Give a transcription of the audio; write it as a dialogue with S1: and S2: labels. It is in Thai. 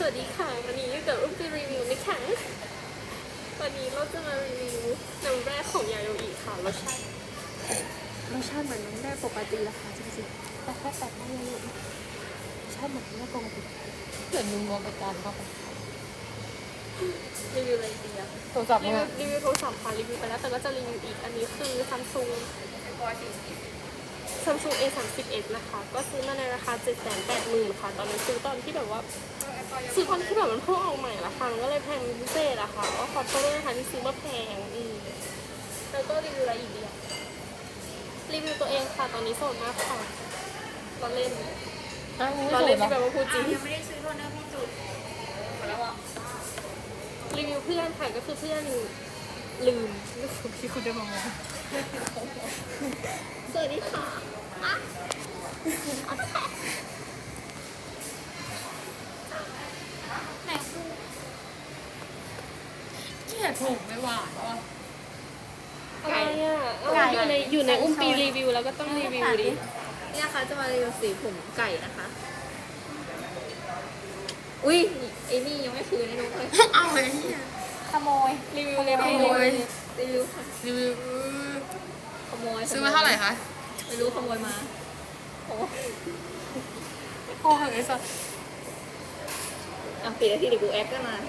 S1: วัสดีค่ะวันนี้อยู่กับอุ้มจะรีวิวนะคะวันนี้เราจะมารีวิวน้ำแร่ของยาโยอิค่ะรสชาติเหมือนน้ำแร่ปกติละค่ะจริงๆแต่แค่แตกต่างยาโยอิรสชาติเหมือนน้ำแร่ปกติ
S2: เกิดมึงมองไปการเข้าไป
S1: รีวิวอะไรดีอะ
S2: โทรศัพท์
S1: รี
S2: มึง
S1: วิวโทรศัพท์ค่ะรีวิวไปแล้วแต่ก็จะรีวิวอีกอันนี้คือ Samsung A31 นะคะก็ซื้อมาในราคา 780,000 ค่ะตอนนั้นซื้อตอนที่แบบว่าซื้อตอนที่แบบมันเพิ่งออกใหม่ละค่ะมันก็เลยแพงพิเศษอะค่ะก็ขอโทษด้วยนะคะที่ซื้อมาแพงแล้วก็รีวิวอะไรอีกดีอะรีวิวตัวเองค่ะตอนนี้โสดมากค่ะเราเล่น
S2: ไม่
S1: เรา
S2: สว
S1: เล่
S2: ย
S1: น
S2: นะ
S1: ที่แบบว่าพูดจริง
S3: ยังไม่ได้ซื้อโทนเนอร์พี่จุดหมดแล้วอ่ะ
S1: รีวิวเพื่อนค่ะก็คือเพื่อนลืมที่คุณได้มามองสวัสดีค่ะ
S3: ไหนคู่
S2: เกลียดถูกไม่หวานว่ะ
S1: อะไรอ่ะอยู่ในอุ้มปีรีวิวแล้วก็ต้องรีวิวดิ
S3: นี่นะคะจะมารีวิวสีผมไก่นะคะ อุ้ยไอ้นี่ยังไม่คืนไอ้นุ๊กเลย
S2: เอาไอ้เหี้ย
S3: ขโมย
S1: รีวิวเลย
S2: ขโมย
S3: รีวิวค่ะ
S2: รีวิว
S3: ขโมย
S2: ซื้อมาเท่าไหร่คะ
S3: ไม่รู้ขโมยมาโอ้
S2: พ่อเหอะไอ้สัส
S3: อ่ะปิดนาทีเดี๋ยวกูแอคกันมา